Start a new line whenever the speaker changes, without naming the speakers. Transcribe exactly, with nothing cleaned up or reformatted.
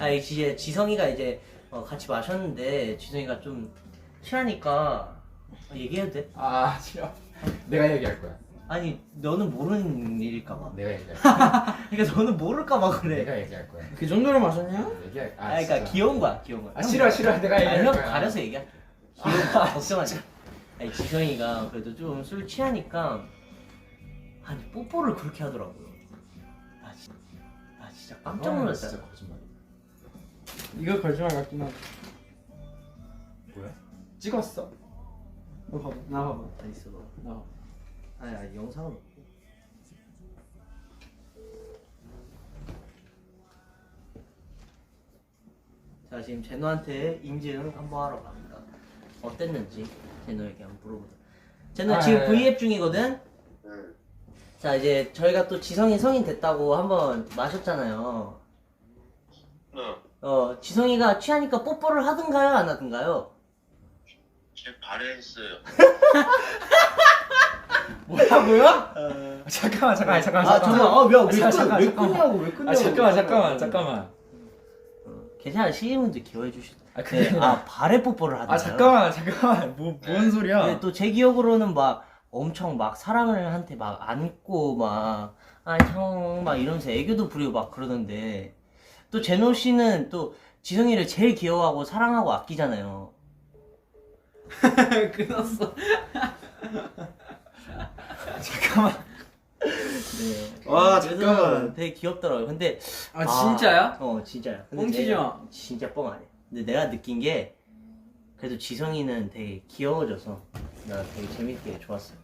아니 이제 지성이가 이제 어, 같이 마셨는데 지성이가 좀 취하니까 얘기해도 돼?
아 싫어. 내가 얘기할 거야.
아니 너는 모르는 일일까봐.
내가 얘기할 거야.
그러니까 너는 모를까봐 그래.
내가 얘기할 거야.
그 정도로 마셨냐?
얘기할.
아, 그러니까
진짜.
귀여운 거야, 귀여운 거야.
아 싫어 싫어. 내가
아니
얘기할
형
거야.
가려서 얘기해. 귀여운 거 걱정하지. 아니 지성이가 그래도 좀 술 취하니까 아니 뽀뽀를 그렇게 하더라고요. 나 진짜, 나 진짜 깜짝
아,
놀랐다.
진짜 거짓말이야.
이거 거짓말 같긴 하다.
뭐야? 찍었어?
너 봐봐. 나 봐봐.
다 있어.
나 봐봐.
아니 아니 영상은 없고. 자 지금 제노한테 인증 한번 하러 갑니다. 어땠는지 제노에게 한번 물어보자. 제노
아,
지금
예.
브이앱 중이거든.
응.
자 이제 저희가 또 지성이 성인 됐다고 한번 마셨잖아요.
응.
어 지성이가 취하니까 뽀뽀를 하든가요 안 하든가요?
제 발했어요.
뭐라고요?
어...
잠깐만 잠깐만 잠깐만.
아 잠깐 아왜
아, 잠깐,
왜
잠깐만.
끊냐고 왜 끊냐고.
아 잠깐만 잠깐만 잠깐만.
어, 괜찮아 시인분들 기여해 주시.
아 그게
네, 아 발에 뽀뽀를 하든가요?
아 잠깐만 잠깐만 뭐 뭔 소리야?
근데 또 제 기억으로는 막 엄청 막 사랑을 한테 막 안고 막 아 형 막 이러면서 애교도 부리고 막 그러던데 또 제노 씨는 또 지성이를 제일 귀여워하고 사랑하고 아끼잖아요.
끊었어.
잠깐만.
네.
와,
그래서
잠깐만.
되게 귀엽더라고요. 근데
아, 진짜야?
어 진짜야. 근데
뻥치지
내가-
마.
진짜 뻥 아니야. 근데 내가 느낀 게 그래도 지성이는 되게 귀여워져서 나 되게 재밌게 좋았어.